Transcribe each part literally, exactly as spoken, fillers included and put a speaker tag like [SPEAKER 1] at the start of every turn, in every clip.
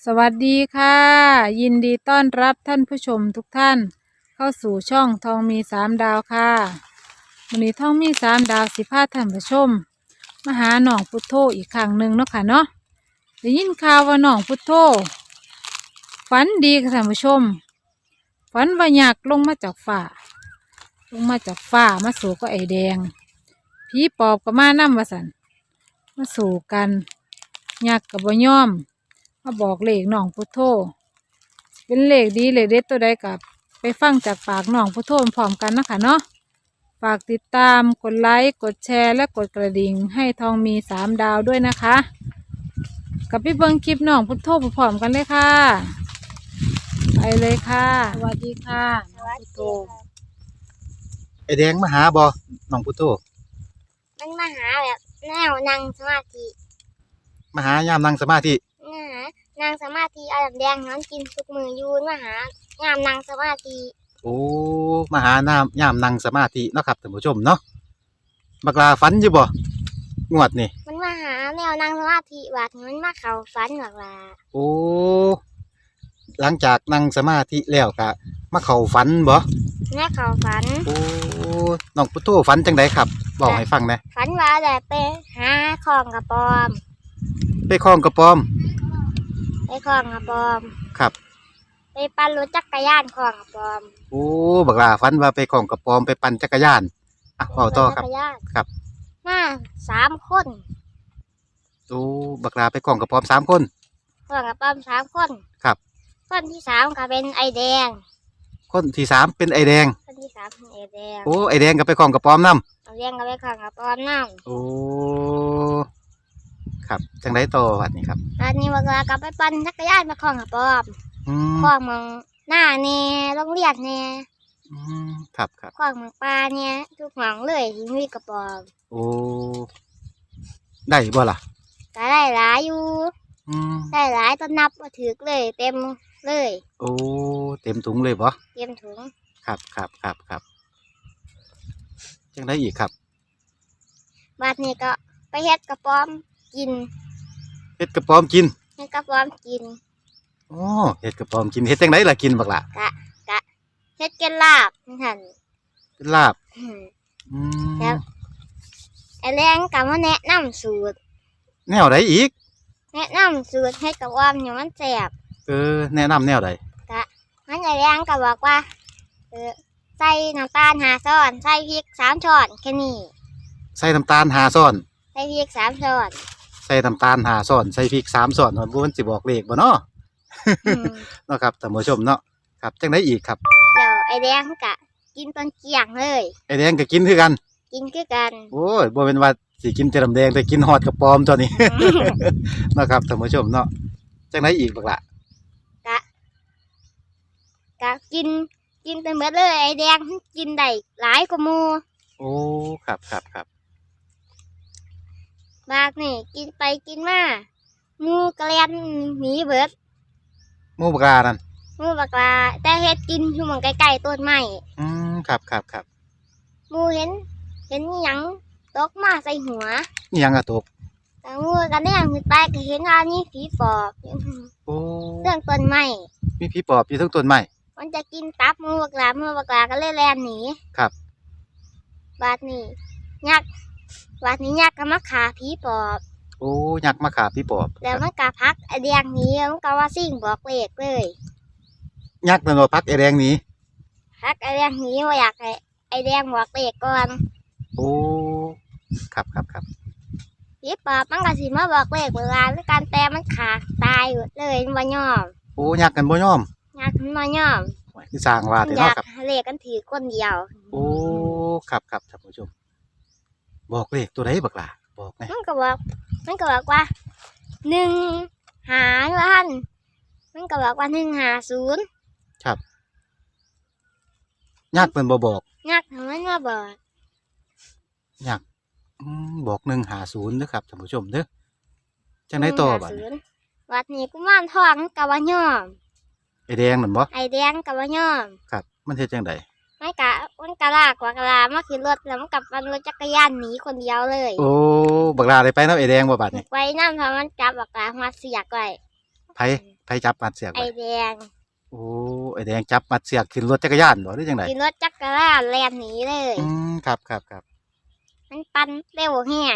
[SPEAKER 1] สวัสดีค่ะยินดีต้อนรับท่านผู้ชมทุกท่านเข้าสู่ช่องทองมีสามดาวค่ะวันนี้ทองมีสามดาวสิพาท่านผู้ชมมาหาหนองพุทโธอีกครั้งหนึ่งเนาะค่ะเนาะได้ยินข่าวว่าหนองพุทโธฝันดีค่ะท่านผู้ชมฝันว่าอยากลงมาจากฟ้าลงมาจากฟ้ามาสู่ก็ไอแดงผีปอบก็มานํว่าสันมาสู่กันอยากกับบ่ยอมมาบอกเลขน้องพุทโธเป็นเลขดีเลขเด็ดตัวใดกับไปฟังจากปากน้องพุทโธพร้อมกันนะคะเนาะฝากติดตามกดไลค์กดแชร์และกดกระดิ่งให้ทองมีสามดาวด้วยนะคะกับพี่เบิ้งคลิปน้องพุทโธพร้อมกันเลยค่ะไปเลยค่ะสวัสดีค่ะน้องพุทโธ
[SPEAKER 2] ไอแดงมาหาบ่น้องพุทโธ
[SPEAKER 3] มันมาหาแบบแนวนั่งสมาธิ
[SPEAKER 2] มาหายามนั่งสมาธิ
[SPEAKER 3] นะฮะนั่งสมาธิเอาแบบแดงน้ำกินทุกมือยูนมาหางามนั่งสมาธิ
[SPEAKER 2] โอ้มาหานามยามนั่งสมาธิเนาะครับท่านผู้ชมเนาะบักลาฝันอยู่บ่งวดนี่
[SPEAKER 3] มันมาหาแนวนั่งสมาธิบาดมันมาเข่าฝันหรอกล่ะ
[SPEAKER 2] โอ้หลังจากนั่งสมาธิแล้วก็มาเข้าฝันบ่
[SPEAKER 3] แม่เข่าฝัน
[SPEAKER 2] โอ้น้องพุทโธฝันจังไดครับบอกให้ฟังหน่อย
[SPEAKER 3] ฝันว่าแต่ไปหาของกระปอม
[SPEAKER 2] ไปคล้องกระปอม
[SPEAKER 3] ไปของกระปอม
[SPEAKER 2] ครับ
[SPEAKER 3] ไปปั่นรถจักรยานของกระปอม
[SPEAKER 2] โอ้บักลาฝันว่าไปคล้องกระปอมไปปั่นจักรยานอ่ะเว้าต่อครับครับ
[SPEAKER 3] มาสามคน
[SPEAKER 2] โอ้บักลาไปคล้องกระปอมสามคน
[SPEAKER 3] ของกระปอมสามคน
[SPEAKER 2] ครับ
[SPEAKER 3] คนที่สามก็เป็นไอแดง
[SPEAKER 2] คนที่สามเป็นไอแดง
[SPEAKER 3] คนที่สามเป็นไอแดง
[SPEAKER 2] โอ้ไอแดงก็ไปคล้องกระปอมนำ
[SPEAKER 3] ไอแดงก็ไปของกระปอมน้ำ
[SPEAKER 2] โอ้ครับจังไดต่อวัดนี้ครับ
[SPEAKER 3] ตอนนี้เวลากลับไปปั่นจักรยานมาของกระปอมคล้องมังหน้าเนี่ยโรงเรียนเนี่ย
[SPEAKER 2] ครับครับ
[SPEAKER 3] คล้องมังปลาเนี่ยทุกหวังเลยที่มีกระปอม
[SPEAKER 2] โอ้ได้บ่ล่ะ
[SPEAKER 3] ก็ได้หลายอยู่ได้หลายต้นนับมาถือเลยเต็มเลย
[SPEAKER 2] โอ้เต็มถุงเลยบ่
[SPEAKER 3] เต็มถุง
[SPEAKER 2] ครับครับครับครับจังได้อีกครับ
[SPEAKER 3] บาดนี้ก็ไปเฮ็ดกระป๋อมกิน
[SPEAKER 2] เฮ็ดกระป๋อมกิน
[SPEAKER 3] เฮ็ดกระป๋อมกิน
[SPEAKER 2] โอ้เฮ็ดกระป๋อมกินเฮ็ดจังไดล่ะกินบักล่ะ
[SPEAKER 3] กะกะเฮ็ดเป็นลาบนั่น
[SPEAKER 2] เป็นลาบ
[SPEAKER 3] อืมแล้วไอ้แรงก็มาแนะนำสูตร
[SPEAKER 2] แนวใดอีก
[SPEAKER 3] แนะนำสูตรให้กระป๋อมอยู่มันแซ่บ
[SPEAKER 2] เออแนะนำแนวใด
[SPEAKER 3] กะงั้นไอ้แรงก็บอกว่าเออใส่น้ำตาลห้าช้อนใส่พริกสามช้อนแค่นี้
[SPEAKER 2] ใส่น้ำตาลห้าช้อน
[SPEAKER 3] ใส่พริกสามช้อน
[SPEAKER 2] ใส่น้ำตาลห้าช้อนใส่พริกสามช้อนบ่มันสิบอกเลขบ่เนาะเนาะครับท่านผู้ชมเนาะครับจังไดอีกครับ
[SPEAKER 3] เดี๋ยวไอ้แดงก็กินตอนเกี่ยงเลย
[SPEAKER 2] ไอ้แดงก็กินคือกัน
[SPEAKER 3] กินคือกัน
[SPEAKER 2] โอ้ยบ่เป็นว่าสิกินแต่น้ำแดงแต่กินฮอดกระป๋อมตัวนี้เนาะครับท่านผู้ชมเนาะจังไดอีกบักล่ะ
[SPEAKER 3] กะกะกินกินไปหมดเลยไอ้แดงกินได้หลายกว่าหมู่
[SPEAKER 2] โอ้ครับครับครับ
[SPEAKER 3] บากนี่กินไปกินมาหมู่กระเลียนหนีเบิด
[SPEAKER 2] หมู่บักลานั่น
[SPEAKER 3] หมู่บักลาแต่เฮ็ดกินอยู่หม้องใกล้ๆต้นไม้
[SPEAKER 2] อืมครับครับครับ
[SPEAKER 3] หมู่เห็นเห็นหยังตกมาใส่หัว
[SPEAKER 2] อีหยังอะตก
[SPEAKER 3] แต่หมู่ก็แนมขึ้นไปก็เห็นว่ามีผีปอบ
[SPEAKER 2] โอ้
[SPEAKER 3] เรื่องต้นไม้
[SPEAKER 2] มีผีปอบอยู่ทั้งต้นไม้
[SPEAKER 3] มันจะกินตับหมู่บักลาหมู่บักลาก็เลยแล่นหนี
[SPEAKER 2] ครับ
[SPEAKER 3] บาดนี้ยักษ์บาดนี้ยักษ์ก็มาฆ่าผีปอบ
[SPEAKER 2] โอ้ยักษ์มาฆ่าผีปอบ
[SPEAKER 3] แล้วมันก็พักไอแดงหนีมันก็ว่าซิ่งบอกเลขเลย
[SPEAKER 2] ยักษ์นั่นว่าพักไอแดงหนี
[SPEAKER 3] พักไอแดงหนีว่าอยากให้ไอแดงบอกเลขก่อน
[SPEAKER 2] โอ้ครับครับครับ
[SPEAKER 3] ผีปอบมันก็สิมาบอกเลขเวลาด้วยการแต่มันขาตายหมดเลยมันบ่ยอม
[SPEAKER 2] โอ้ยักษ์กันบ่ยอม
[SPEAKER 3] ยักษ์มันบ่ยอม
[SPEAKER 2] คือสร้างว่าแต่เนาะครับ
[SPEAKER 3] เลขกันถือคนเดียว
[SPEAKER 2] โอ้ครับครับท่านผู้ชมบอกเลขตัวไหนบักล่ะบอกไง
[SPEAKER 3] มันก็บอกมันก็บอกว่าหนึ่งหาล้านมันก็บอกว่าหนึ่งหาศูนย์
[SPEAKER 2] ครับยักษ์เป็นบ่บอก
[SPEAKER 3] ยักษ์มันมาบอก
[SPEAKER 2] ยักษ์บอกหนึ่งหาศูนย์นะครับท่านผู้ชมเด้อจังไดต่อบัดนี้
[SPEAKER 3] วัดนี้กุมารทองกับว่ายอม
[SPEAKER 2] ไอแดงนั่นบ่
[SPEAKER 3] ไอแดงกับว่ายอม
[SPEAKER 2] ครับมันเฮ็ดจังได
[SPEAKER 3] ไม่กะมันกะลากกว่ากะลามาขึ้นรถแล้วมันกลับมันรถจักรยานหนีคนเดียวเลย
[SPEAKER 2] โอ้บักลาได้ไปน้ำไอแดงบ่บัดนี้
[SPEAKER 3] ไปน้ำเพราะมันจับบักลามาเสียกไว้
[SPEAKER 2] ไผไผจับมัดเสือก
[SPEAKER 3] ไอ
[SPEAKER 2] ไว้
[SPEAKER 3] แดง
[SPEAKER 2] โอ้ไอแดงจับมัดเสือกขึ้นรถจักรยานบ่หรือจังได
[SPEAKER 3] ขี่รถจักรยานแล่นหนีเลย
[SPEAKER 2] อืมครับครับครับ
[SPEAKER 3] มันปั่นเร็วแห้ง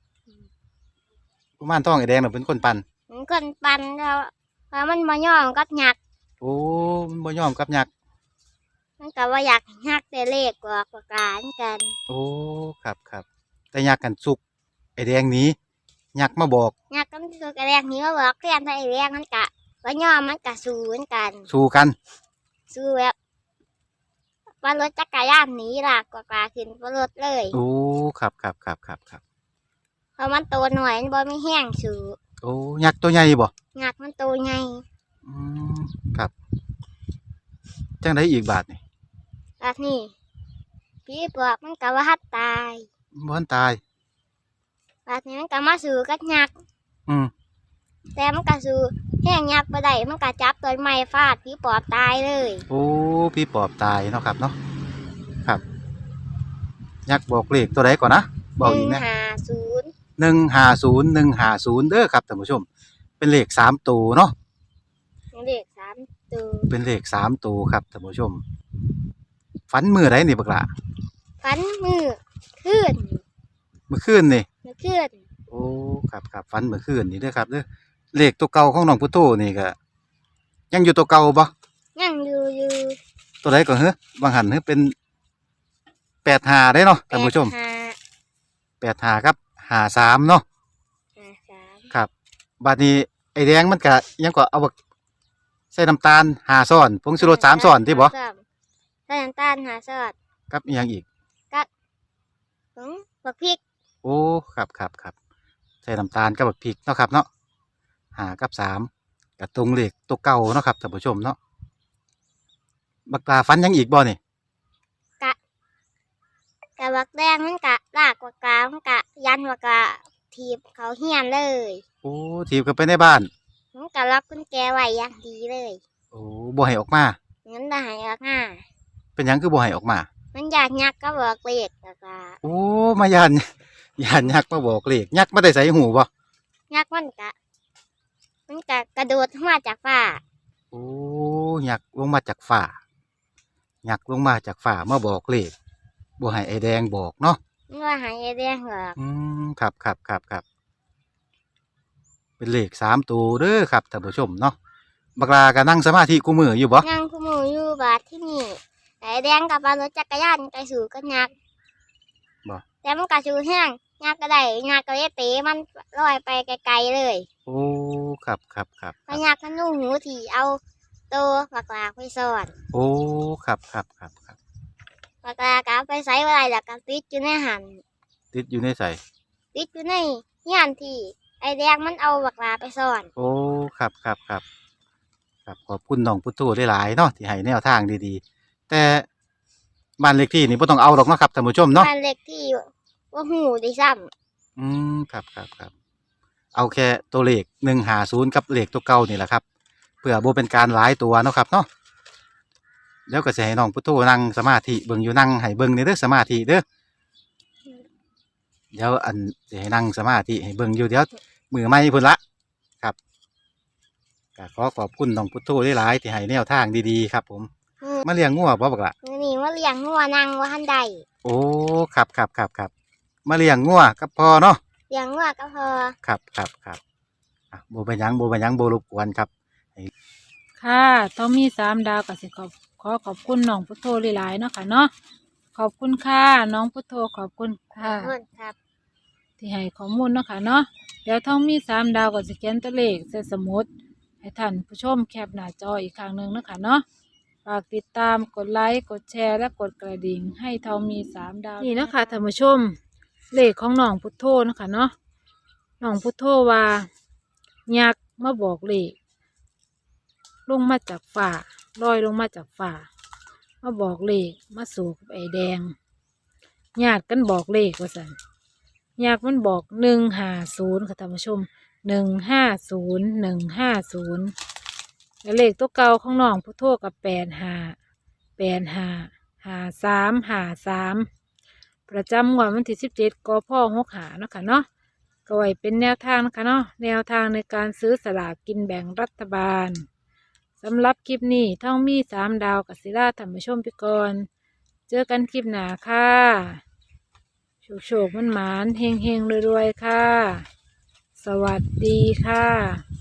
[SPEAKER 2] กุมารทองไอแดงน่ะเป็นคนปั่น
[SPEAKER 3] มันคนปั่นแล้วพอมันมาย่อมกับหยัก
[SPEAKER 2] โอ้มันบ่ยอมกับยักษ์
[SPEAKER 3] มันก็ว่าอยากหักแต่เลขกว่ากว่าการกัน
[SPEAKER 2] โอ้ครับครับแต่ยักษ์กันสุกไอแดงหนี้ยักษ์มาบอก
[SPEAKER 3] หยักก็มันคือกระแดงนี้ว่าบอกเรียนไทยแดงมันกะว่าย่อมมันกะสู้เหมือนกัน
[SPEAKER 2] สู้กัน
[SPEAKER 3] สู้แบบว่ารถจักรยานหนีลากกว่ากาขึ้นบนรถเลย
[SPEAKER 2] โอ้ครับครับครับครับครับ
[SPEAKER 3] เพราะมันโตหน่อยมันบ่ไม่แห้งสู้
[SPEAKER 2] โอ้ยักษ์ตัวใหญ่บ่
[SPEAKER 3] หยักมันโตไง
[SPEAKER 2] อืมครับจังไดอีกบาทนี่
[SPEAKER 3] แบบนี้พี่บอกมันกะว่าฮัดตาย
[SPEAKER 2] บ่ทันตาย
[SPEAKER 3] แบบนี้มันกะมาสู้กับหยัก
[SPEAKER 2] อืม
[SPEAKER 3] แต่มันกะสู้แห้งหยักบ่ได้มันกะจับต้นไม้ฟาดพี่ปอบตายเลย
[SPEAKER 2] โอ้พี่ปอบตายเนาะครับเนาะครับยักษ์บอกเลขตัวใดก่อนนะบอกอีกนะ
[SPEAKER 3] หนึ่งห้าศูนย์
[SPEAKER 2] หนึ่งห้าศูนย์หนึ่งห้าศูนย์เด้อครับท่านผู้ชม เป็นเลขสามตัวเนาะ
[SPEAKER 3] เลขสามตัว
[SPEAKER 2] เป็นเลขสามตัวครับท่านผู้ชมฝันมือไรนี่บักละ
[SPEAKER 3] ฟันมือขึ้น
[SPEAKER 2] เมื่อคืนนี่
[SPEAKER 3] มือขึ้น
[SPEAKER 2] โอ้ครับครับฝันเมื่อคืนนี่เด้อครับเด้อเลขตัวเก่าของน้องพุทโธนี่ก็ยังอยู่ตัวเก่าบ่
[SPEAKER 3] ยังอยู่อยู่
[SPEAKER 2] ตัวใดก่อนเฮ้บางหันเฮ้เป็นแปดหาได้เนาะท่านผู้ชม
[SPEAKER 3] ห้า
[SPEAKER 2] แปดหาครับหาสามเนาะ
[SPEAKER 3] ห้าสาม
[SPEAKER 2] ครับบาดนี้ไอแดงมันก็ยังก็เอาบักใส่น้ำตาลหาซ้อนผงชูรสสามซ้อนที่บ่
[SPEAKER 3] สามใส่น้ำตาลหาซอส
[SPEAKER 2] กับอีหยังอีก
[SPEAKER 3] ผงบักพริก
[SPEAKER 2] โอ้ครับครับครับใส่น้ำตาลกับบักพริกเนาะครับเนาะหากับสามกับตรงเลขตัวเก่าเนาะครับท่านผู้ชมเนาะบักปลาฟันยังอีกบ่นี่
[SPEAKER 3] กะบักแดงมันกะลากกว่ากลางมันกะยันกว่ากะทีบเขาเฮียนเลย
[SPEAKER 2] โอ้ถีบกันไปในบ้าน
[SPEAKER 3] มันกะล็อกกุญแจไว้อย่างดีเลย
[SPEAKER 2] โอ้บ่ให้ออกมา
[SPEAKER 3] งั้นได้หายออกง่า
[SPEAKER 2] เป็นหยังคือบ่ให้ออกมา
[SPEAKER 3] มันอยากยักก็บอกเลขแล้วก็
[SPEAKER 2] โอ้มายาน ยานยักษ์มาบอกเลขยักษ์มาได้ใส่หูบ่
[SPEAKER 3] ยักมันกะ มันกะกระโดดมาจากฟ้า
[SPEAKER 2] โอ้ยักษ์ลงมาจากฝ่ายักษ์ลงมาจากฝ่ามาบอกเลขบ่ให้ไอแดงบอกเนาะ
[SPEAKER 3] มันว่าหายไอ้แดงหรอก
[SPEAKER 2] อืมครับครับครับครับเป็นเลขสามตัวเด้อครับท่านผู้ชมเนาะบักลาก็นั่งสมาธิกูมืออยู่บ่
[SPEAKER 3] นั่งคู่มืออยู่บาทที่นี่ไอ้แดงกับปลารถจักรยานไปสู่กันยักษ์
[SPEAKER 2] บ่
[SPEAKER 3] แต่มันกะชูแห้งยักษ์ก็ได้ยักษ์ก็เลยเตะมันลอยไปไกลๆเลย
[SPEAKER 2] โอ้ครับครับครับ
[SPEAKER 3] พยักษ์มันนุ่งหูถี่เอาตัวปากลากไปซ่อน
[SPEAKER 2] โอ้ครับครับครับครับ
[SPEAKER 3] ปากลากเอาไปใส่อะไรแล้วก็ติดอยู่ในหัน
[SPEAKER 2] ติดอยู่ในใส่
[SPEAKER 3] ติดอยู่ในเฮียนที่ไอ้แดงมันเอาปากลาไปซ่อน
[SPEAKER 2] โอ้ครับครับครับครับขอบคุณน้องพุทโธได้หลายๆเนาะที่ให้แนวทางดีๆแต่บ้านเลขที่นี่บ่ต้องเอาหรอกเนาะครับท่านผู้ชมเนาะ
[SPEAKER 3] บ้านเล็กที่ว่าหูได้ซ้
[SPEAKER 2] อืมครับครับครับเอาแค่ตัวเลขหนึ่งหาศูนย์กับเลขตัวเก่านี่แหละครับเพื่อโบเป็นการหลายตัวเนาะครับเนาะเดี๋ยวก็จะให้น้องพุทโธนั่งสมาธิเบิ่งอยู่นั่งให้เบิ่งในเด้อสมาธิเด้อเดี๋ยวอันจะให้นั่งสมาธิให้เบิ่งอยู่เดี๋ยวมือไม่พุ่นละครับก็ขอขอบคุณน้องพุทโธได้หลายๆที่ให้แนวทางดีๆครับ ผม
[SPEAKER 3] ำอืม
[SPEAKER 2] มาเลี้ยงงัวบ่บักละ
[SPEAKER 3] มื้อนี่ว่าเลี้ยงงัวนั่งว่าทันใด
[SPEAKER 2] โอ้ครับครับครับครับมาเลี้ยงงัวกับพ่อเนาะ
[SPEAKER 3] เลี้ยงงัวก็พอ
[SPEAKER 2] ครับครับครับอ่ะโบเป็นหยังโบเป็นหยังโบรบกวนครับ
[SPEAKER 1] ค่ะต้องมีสามดาวกับสิขอบขอขอบคุณน้องพุทโธหลายๆเนาะค่ะเนาะขอบคุณค่ะน้องพุทโธขอบคุณ
[SPEAKER 3] ขอ
[SPEAKER 1] ค่ะ
[SPEAKER 3] บคุณครับ
[SPEAKER 1] ที่ให้ข้อมูลเนาะค่ะเนาะเดี๋ยวต้องมีสามดาวกับสแกนตัวเลขใส่สมุดให้ท่านผู้ชมแคปหน้าจออีกครั้งหนึ่งเนาะค่ะเนาะฝากติดตามกดไลค์กดแชร์และกดกระดิ่งให้ทองมีสามดาวนี่เนาะคะท่านผู้ชมเลขของน้องพุทโธเนาะค่ะเนาะน้องพุทโธว่ายักษ์มาบอกเลขลงมาจากฝ่าลอยลงมาจากฝ่ามาบอกเลขมาสู่กับไอ้แดงญาติกันบอกเลขว่าสันญาติมันบอกหนึ่งห้าศูนย์ค่ะท่านผู้ชมหนึ่งห้าศูนย์หนึ่งห้าศูนย์แล้วเลขตัวเก่าของน้องพุทโธกับแปดห้าแปดห้าห้าสามห้าสามประจำงวดวันที่สิบเจ็ดกพหกหาเนาะค่ะเนาะก็ไว้เป็นแนวทางนะคะเนาะแนวทางในการซื้อสลากกินแบ่งรัฐบาลสำหรับคลิปนี้ท่องมีสามดาวกับศิลาธรรมชมพิกรเจอกันคลิปหน้าค่ะโชคโชคมันหมานเฮงเฮงรวยๆค่ะสวัสดีค่ะ